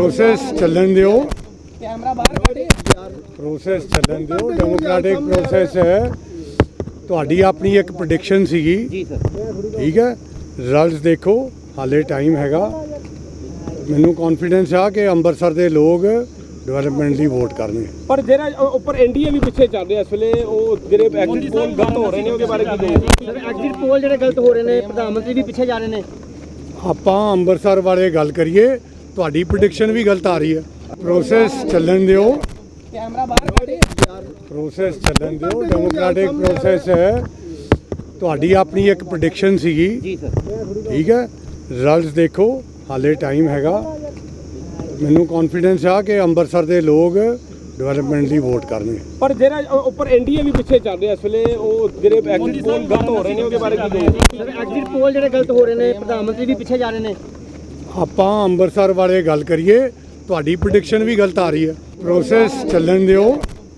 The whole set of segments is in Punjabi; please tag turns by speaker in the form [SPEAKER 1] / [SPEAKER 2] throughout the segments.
[SPEAKER 1] ਪ੍ਰੋਸੈਸ ਚੱਲਣ ਦਿਓ। ਪ੍ਰੋਸੈਸ ਚੱਲਣ ਦਿਓ। ਡੈਮੋਕ੍ਰੈਟਿਕ ਪ੍ਰੋਸੈਸ ਹੈ। ਤੁਹਾਡੀ ਆਪਣੀ ਇੱਕ ਪ੍ਰੈਡਿਕਸ਼ਨ ਸੀਗੀ
[SPEAKER 2] ਜੀ ਸਰ।
[SPEAKER 1] ਠੀਕ ਹੈ, ਰਿਜ਼ਲਟਸ ਦੇਖੋ, ਹਾਲੇ ਟਾਈਮ ਹੈਗਾ। ਮੈਨੂੰ ਕੌਨਫੀਡੈਂਸ ਆ ਕਿ ਅੰਮ੍ਰਿਤਸਰ ਦੇ ਲੋਕ ਡਿਵੈਲਪਮੈਂਟ ਲਈ ਵੋਟ ਕਰਨਗੇ।
[SPEAKER 3] ਪਰ ਜਿਹੜਾ ਉੱਪਰ ਐਨਡੀਏ ਵੀ ਪਿੱਛੇ ਚੱਲ ਰਿਹਾ ਇਸ ਵੇਲੇ, ਉਹ ਜਿਹੜੇ ਐਗਜ਼ਿਟ ਪੋਲ ਗਲਤ ਹੋ ਰਹੇ ਨੇ ਉਹਦੇ ਬਾਰੇ ਕੀ ਕਹੋਗੇ?
[SPEAKER 2] ਸਰ ਐਗਜ਼ਿਟ ਪੋਲ ਜਿਹੜੇ ਗਲਤ ਹੋ ਰਹੇ ਨੇ, ਪ੍ਰਧਾਨ ਮੰਤਰੀ ਵੀ ਪਿੱਛੇ ਜਾ ਰਹੇ ਨੇ।
[SPEAKER 1] ਆਪਾਂ ਅੰਮ੍ਰਿਤਸਰ ਬਾਰੇ ਗੱਲ ਕਰੀਏ, ਤੁਹਾਡੀ ਪ੍ਰੈਡਿਕਸ਼ਨ ਵੀ ਗਲਤ ਆ ਰਹੀ ਹੈ। ਪ੍ਰੋਸੈਸ ਚੱਲਣ ਦਿਓ। ਪ੍ਰੋਸੈਸ ਚੱਲਣ ਦਿਓ। ਡੈਮੋਕ੍ਰੈਟਿਕ ਪ੍ਰੋਸੈਸ ਹੈ। ਤੁਹਾਡੀ ਆਪਣੀ ਇੱਕ ਪ੍ਰੈਡਿਕਸ਼ਨ ਸੀਗੀ
[SPEAKER 2] ਜੀ ਸਰ।
[SPEAKER 1] ਠੀਕ ਹੈ, ਰਿਜ਼ਲਟਸ ਦੇਖੋ, ਹਾਲੇ ਟਾਈਮ ਹੈਗਾ। ਮੈਨੂੰ ਕੌਨਫੀਡੈਂਸ ਆ ਕਿ ਅੰਮ੍ਰਿਤਸਰ ਦੇ ਲੋਕ ਡਿਵੈਲਪਮੈਂਟ ਲਈ ਵੋਟ ਕਰਨਗੇ।
[SPEAKER 3] ਪਰ ਜਿਹੜਾ ਉੱਪਰ ਐਨਡੀਏ ਵੀ ਪਿੱਛੇ ਚੱਲ ਰਿਹਾ ਇਸ ਵੇਲੇ, ਉਹ ਜਿਹੜੇ ਐਗਜ਼ਿਟ ਪੋਲ ਗਲਤ ਹੋ ਰਹੇ ਨੇ ਉਹਦੇ ਬਾਰੇ ਕੀ ਕਹੋਗੇ?
[SPEAKER 2] ਸਰ ਐਗਜ਼ਿਟ ਪੋਲ ਜਿਹੜੇ ਗਲਤ ਹੋ ਰਹੇ ਨੇ, ਪ੍ਰਧਾਨ ਮੰਤਰੀ ਵੀ ਪਿੱਛੇ ਜਾ ਰਹੇ ਨੇ।
[SPEAKER 1] ਆਪਾਂ ਅੰਮ੍ਰਿਤਸਰ ਬਾਰੇ ਗੱਲ ਕਰੀਏ, ਤੁਹਾਡੀ ਪ੍ਰੈਡਿਕਸ਼ਨ ਵੀ ਗਲਤ ਆ ਰਹੀ ਹੈ। ਪ੍ਰੋਸੈਸ ਚੱਲਣ ਦਿਓ।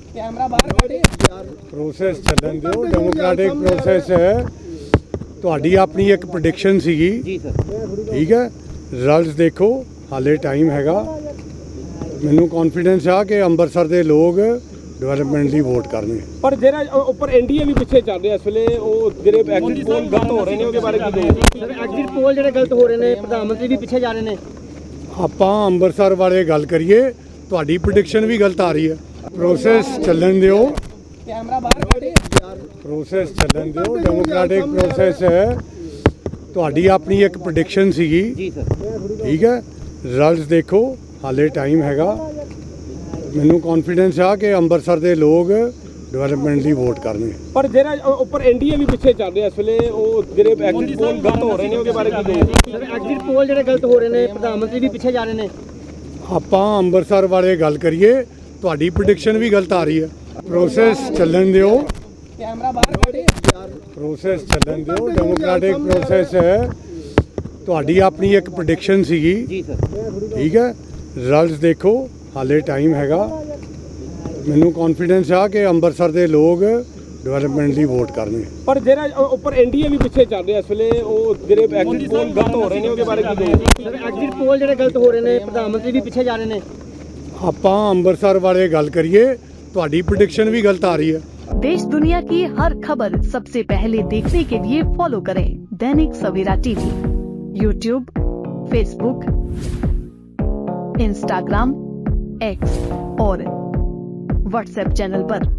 [SPEAKER 1] ਪ੍ਰੋਸੈਸ ਚੱਲਣ ਦਿਓ। ਡੈਮੋਕ੍ਰੈਟਿਕ ਪ੍ਰੋਸੈਸ ਹੈ। ਤੁਹਾਡੀ ਆਪਣੀ ਇੱਕ ਪ੍ਰੈਡਿਕਸ਼ਨ ਸੀਗੀ
[SPEAKER 2] ਜੀ ਸਰ।
[SPEAKER 1] ਠੀਕ ਹੈ, ਰਿਜ਼ਲਟਸ ਦੇਖੋ, ਹਾਲੇ ਟਾਈਮ ਹੈਗਾ। ਮੈਨੂੰ ਕੌਨਫੀਡੈਂਸ ਆ ਕਿ ਅੰਮ੍ਰਿਤਸਰ ਦੇ ਲੋਕ ਡਿਵੈਲਪਮੈਂਟ ਲਈ ਵੋਟ ਕਰਨਗੇ।
[SPEAKER 3] ਪਰ ਜਿਹੜਾ ਉੱਪਰ ਐਨਡੀਏ ਵੀ ਪਿੱਛੇ ਚੱਲ ਰਿਹਾ ਇਸ ਵੇਲੇ, ਉਹ ਜਿਹੜੇ ਐਗਜ਼ਿਟ ਪੋਲ ਗਲਤ ਹੋ ਰਹੇ ਨੇ ਉਹਦੇ ਬਾਰੇ ਕੀ ਕਹੋਗੇ?
[SPEAKER 2] ਸਰ ਐਗਜ਼ਿਟ ਪੋਲ ਜਿਹੜੇ ਗਲਤ ਹੋ ਰਹੇ ਨੇ, ਪ੍ਰਧਾਨ ਮੰਤਰੀ ਵੀ ਪਿੱਛੇ ਜਾ ਰਹੇ ਨੇ।
[SPEAKER 1] ਆਪਾਂ ਅੰਮ੍ਰਿਤਸਰ ਬਾਰੇ ਗੱਲ ਕਰੀਏ, ਤੁਹਾਡੀ ਪ੍ਰੈਡਿਕਸ਼ਨ ਵੀ ਗਲਤ ਆ ਰਹੀ ਹੈ। ਪ੍ਰੋਸੈਸ ਚੱਲਣ ਦਿਓ। ਪ੍ਰੋਸੈਸ ਚੱਲਣ ਦਿਓ। ਡੈਮੋਕ੍ਰੈਟਿਕ ਪ੍ਰੋਸੈਸ ਹੈ। ਤੁਹਾਡੀ ਆਪਣੀ ਇੱਕ ਪ੍ਰੈਡਿਕਸ਼ਨ ਸੀਗੀ
[SPEAKER 2] ਜੀ ਸਰ।
[SPEAKER 1] ਠੀਕ ਹੈ, ਰਿਜ਼ਲਟਸ ਦੇਖੋ, ਹਾਲੇ ਟਾਈਮ ਹੈਗਾ। ਮੈਨੂੰ ਕੌਨਫੀਡੈਂਸ ਆ ਕਿ ਅੰਮ੍ਰਿਤਸਰ ਦੇ ਲੋਕ ਡਿਵੈਲਪਮੈਂਟ ਲਈ ਵੋਟ ਕਰਨਗੇ।
[SPEAKER 3] ਪਰ ਜਿਹੜਾ ਉੱਪਰ ਐਨਡੀਏ ਵੀ ਪਿੱਛੇ ਚੱਲ ਰਿਹਾ ਇਸ ਵੇਲੇ, ਉਹ ਜਿਹੜੇ ਐਗਜ਼ਿਟ ਪੋਲ ਗਲਤ ਹੋ ਰਹੇ ਨੇ ਉਹਦੇ ਬਾਰੇ ਕੀ ਕਹੋਗੇ?
[SPEAKER 2] ਸਰ ਐਗਜ਼ਿਟ ਪੋਲ ਜਿਹੜੇ ਗਲਤ ਹੋ ਰਹੇ ਨੇ, ਪ੍ਰਧਾਨ ਮੰਤਰੀ ਵੀ ਪਿੱਛੇ ਜਾ ਰਹੇ ਨੇ।
[SPEAKER 1] ਆਪਾਂ ਅੰਮ੍ਰਿਤਸਰ ਬਾਰੇ ਗੱਲ ਕਰੀਏ, ਤੁਹਾਡੀ ਪ੍ਰੈਡਿਕਸ਼ਨ ਵੀ ਗਲਤ ਆ ਰਹੀ ਹੈ। ਪ੍ਰੋਸੈਸ ਚੱਲਣ ਦਿਓ। ਪ੍ਰੋਸੈਸ ਚੱਲਣ ਦਿਓ। ਡੈਮੋਕ੍ਰੈਟਿਕ ਪ੍ਰੋਸੈਸ ਹੈ। ਤੁਹਾਡੀ ਆਪਣੀ ਇੱਕ ਪ੍ਰੈਡਿਕਸ਼ਨ ਸੀਗੀ
[SPEAKER 2] ਜੀ ਸਰ।
[SPEAKER 1] ਠੀਕ ਹੈ, ਰਿਜ਼ਲਟਸ ਦੇਖੋ, ਹਾਲੇ ਟਾਈਮ ਹੈਗਾ। ਮੈਨੂੰ ਕੌਨਫੀਡੈਂਸ ਆ ਕਿ ਅੰਮ੍ਰਿਤਸਰ ਦੇ ਲੋਕ ਡਿਵੈਲਪਮੈਂਟ ਲਈ ਵੋਟ ਕਰਨਗੇ।
[SPEAKER 3] ਪਰ ਜਿਹੜਾ ਉੱਪਰ ਐਨਡੀਏ ਵੀ ਪਿੱਛੇ ਚੱਲ ਰਿਹਾ ਇਸ ਵੇਲੇ, ਉਹ ਜਿਹੜੇ ਐਗਜ਼ਿਟ ਪੋਲ ਗਲਤ ਹੋ ਰਹੇ ਨੇ ਉਹਦੇ ਬਾਰੇ ਕੀ ਕਹੋਗੇ?
[SPEAKER 2] ਸਰ ਐਗਜ਼ਿਟ ਪੋਲ ਜਿਹੜੇ ਗਲਤ ਹੋ ਰਹੇ ਨੇ, ਪ੍ਰਧਾਨ ਮੰਤਰੀ ਵੀ ਪਿੱਛੇ ਜਾ ਰਹੇ ਨੇ।
[SPEAKER 1] ਆਪਾਂ ਅੰਮ੍ਰਿਤਸਰ ਬਾਰੇ ਗੱਲ ਕਰੀਏ, ਤੁਹਾਡੀ ਪ੍ਰੈਡਿਕਸ਼ਨ ਵੀ ਗਲਤ ਆ ਰਹੀ ਹੈ।
[SPEAKER 4] देश दुनिया की हर खबर सबसे पहले देखने के लिए फॉलो करें Dainik Savera TV, YouTube, Facebook, Instagram, X और व्हाट्सएप चैनल पर।